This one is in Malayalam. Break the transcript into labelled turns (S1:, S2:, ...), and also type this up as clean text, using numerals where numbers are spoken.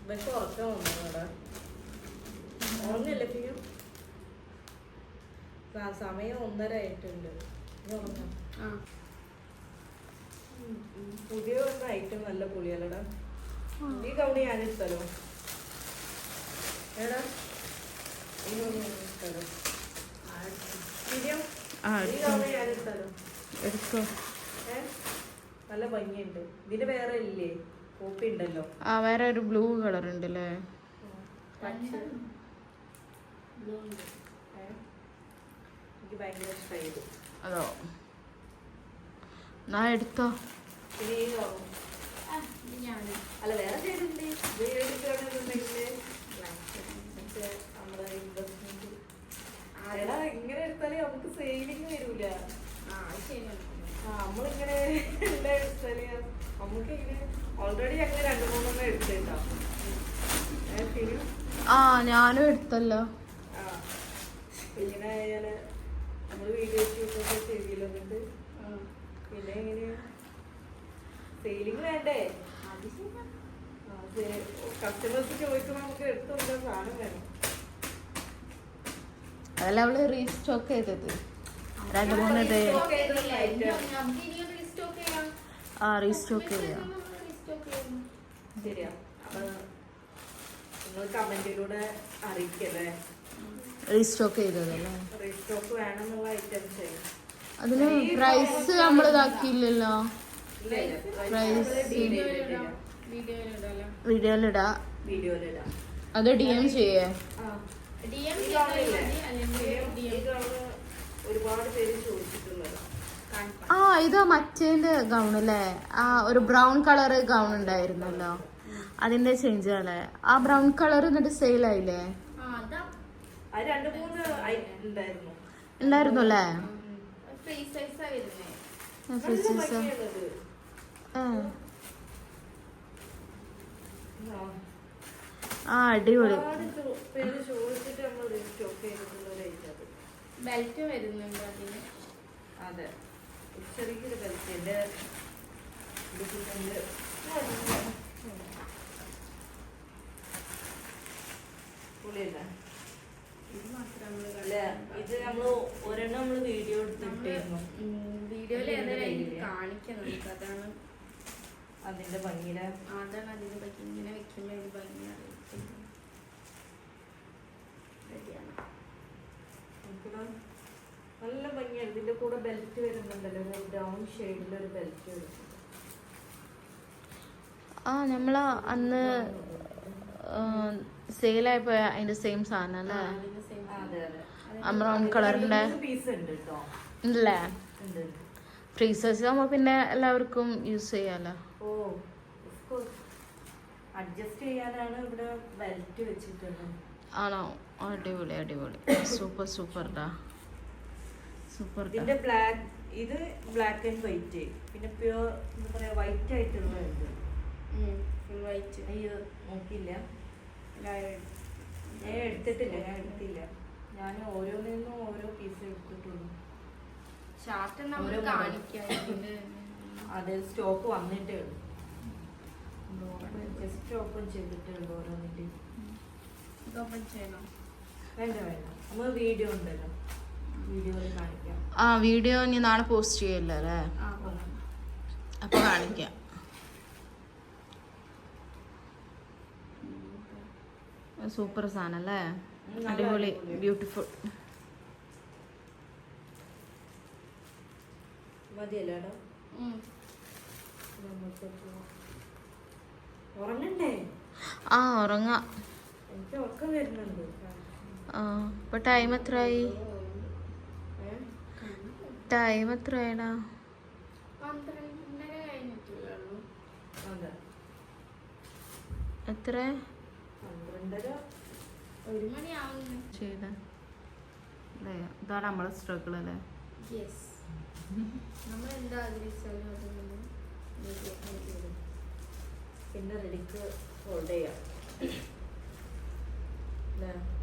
S1: പക്ഷെ ഉറക്കം വന്നോടാ ഉറങ്ങില്ല പിയും സമയം 1:30 ആയിട്ടുണ്ട്. പുതിയ ഐറ്റം നല്ല പുളിയല്ലടാ. ഈ കൗണി ഞാനെടുത്തല്ലോ എടാ. ഈ കൗണി ഞാനെടുത്തല്ലോ. ഈ കൗണി ഞാനെടുത്തല്ലോ.
S2: എടുത്തോ.
S1: നല്ല ഭംഗിയുണ്ട്. ഇതിന് വേറെ ഇല്ലേ? കോപ്പി ഉണ്ടല്ലോ.
S2: ആ വേറെ ഒരു ബ്ലൂ കളർ ഉണ്ടല്ലേ.
S1: എനിക്ക് ഭയങ്കര ഇഷ്ടമായി.
S2: അതോ ഞാൻ എടുത്തോ.
S1: അല്ല വേറെ ചെയ്തിട്ടുണ്ട്. നമ്മളെ ഇൻവെസ്റ്റ്മെന്റ് ഇങ്ങനെ എടുത്താലേ നമുക്ക് സേവിങ് വരൂല. നമ്മളിങ്ങനെ എടുത്താല് നമുക്ക് ഇങ്ങനെ ഓൾറെഡി അങ്ങനെ 2-3 എടുത്തിട്ടുണ്ടാവും.
S2: ഞാനും എടുത്തല്ലോ.
S1: ഇങ്ങനെ നമ്മള് വീഡിയോ ചെയ്തില്ലോ. എന്നിട്ട് പിന്നെ എങ്ങനെയാ സെയിലിങ് വേണ്ടേ? കസ്റ്റമേഴ്സ് ചോദിക്കുമ്പോ നമുക്ക് എടുത്തു കൊടുക്കാൻ സാധനം വേണം.
S2: അതല്ല അവള് റീസ്റ്റോക്ക് ചെയ്തത് 2-3 ഡേ. റീസ്റ്റോക്ക് ചെയ്യാം.
S1: ശരിയാ. അപ്പൊ നിങ്ങൾ കമന്റിലൂടെ അറിയിക്കല്ലേ
S2: റീസ്റ്റോക്ക് ചെയ്തതല്ലേ.
S1: റീസ്റ്റോക്ക് വേണമെന്നുള്ള ഐറ്റംസ്.
S2: അതിന് പ്രൈസ് നമ്മൾ ഇതാക്കിയില്ലല്ലോ. വീഡിയോയിലിടാ. അത് DM ചെയ്യേ?
S1: ഒരുപാട് പേര് ചോദിച്ചിട്ടുള്ളത്.
S2: ഇത് മറ്റേന്റെ ഗൗൺ അല്ലേ. ഒരു ബ്രൗൺ കളർ ഗൗൺ ഉണ്ടായിരുന്നല്ലോ, അതിന്റെ ചേഞ്ച് അല്ലേ. ആ ബ്രൗൺ കളർ എന്നിട്ട് സെയിൽ ആയില്ലേ? ഉണ്ടായിരുന്നു അല്ലേ. അടിപൊളി.
S3: ബെൽറ്റ് വരുന്നുണ്ട് അതിന്.
S1: അതെ, ചെറിയൊരു ബെൽറ്റ്. ഇത് നമ്മള് ഒരെണ്ണം നമ്മള് വീഡിയോ എടുത്തിട്ടായിരുന്നു.
S3: വീഡിയോയില് കാണിക്കണം. അതാണ്
S1: അതിന്റെ ഭംഗിയില്.
S3: അതാണ് അതിന്റെ ഭംഗി. ഇങ്ങനെ വെക്കുമ്പോ ഒരു ഭംഗിയാണ്.
S1: നല്ല ഭംഗിയാണ്. ഇതിന്റെ കൂടെ ബെൽറ്റ് വരുന്നുണ്ടല്ലോ, ബ്രൗൺ ഷെയ്ഡിലൊരു ബെൽറ്റ് വരുന്നുണ്ട്.
S2: നമ്മള് അന്ന് സെയിലായപ്പോ അതിന്റെ സെയിം സാധനം അല്ലേ. ബ്രൗൺ കളറിന്റെ ഉണ്ടല്ലേ. ഫ്രീ സൈസ് ആകുമ്പോ പിന്നെ എല്ലാവർക്കും യൂസ് ചെയ്യാലോ.
S1: അഡ്ജസ്റ്റ് ചെയ്യാനാണ് ഇവിടെ ബെൽറ്റ് വെച്ചിട്ടുള്ളത്.
S2: ആണോ? അടിപൊളി അടിപൊളി. സൂപ്പർ സൂപ്പർടാ. സൂപ്പർ.
S1: ഇതിന്റെ ബ്ലാക്ക്, ഇത് ബ്ലാക്ക് ആൻഡ് വൈറ്റ്. പിന്നെ പ്യൂർ എന്താ പറയാ, വൈറ്റ് ആയിട്ടുള്ള വൈറ്റ്. അയ്യോ നോക്കിയില്ല, ഞാൻ എടുത്തിട്ടില്ല. ഞാൻ ഓരോന്നിന്നും ഓരോ പീസ് എടുത്തിട്ടുള്ളൂ. അത് സ്റ്റോക്ക് വന്നിട്ടേ ഉള്ളൂ. ജസ്റ്റ് ഓപ്പൺ ചെയ്തിട്ടേ ഉള്ളൂ ഓരോന്നിന്റെ. വേണ്ട നമ്മൾ വീഡിയോ ഉണ്ടല്ലോ, വീഡിയോയിൽ കാണിക്കാം.
S2: വീഡിയോ ഇനി നാളെ പോസ്റ്റ് ചെയ്യല്ലോ അല്ലേ. അപ്പൊ കാണിക്കാം. സൂപ്പർ സാധനം അല്ലേ. അടിപൊളി, ബ്യൂട്ടിഫുൾ.
S1: മതിയല്ലോ. ഉറങ്ങണ്ടേ?
S2: ഉറങ്ങാം.
S1: എനിക്ക് ഉറക്കം വരുന്നുണ്ട്.
S2: ഇപ്പൊ ടൈം എത്രയായി? ടൈം എത്രയാടാ?
S3: 12:30 കഴിഞ്ഞിട്ടുള്ളൂ.
S2: എത്ര?
S1: 12:30.
S3: 1 മണിയാവുന്നു.
S2: ചെയ്ത ഇതാണ് നമ്മളെ സ്ട്രഗിൾ അല്ലേ.
S3: നമ്മൾ എന്താ ആഗ്രഹിച്ചാലും
S1: പിന്നെ റെഡിക്ക് ഹോൾഡ് ചെയ്യാം.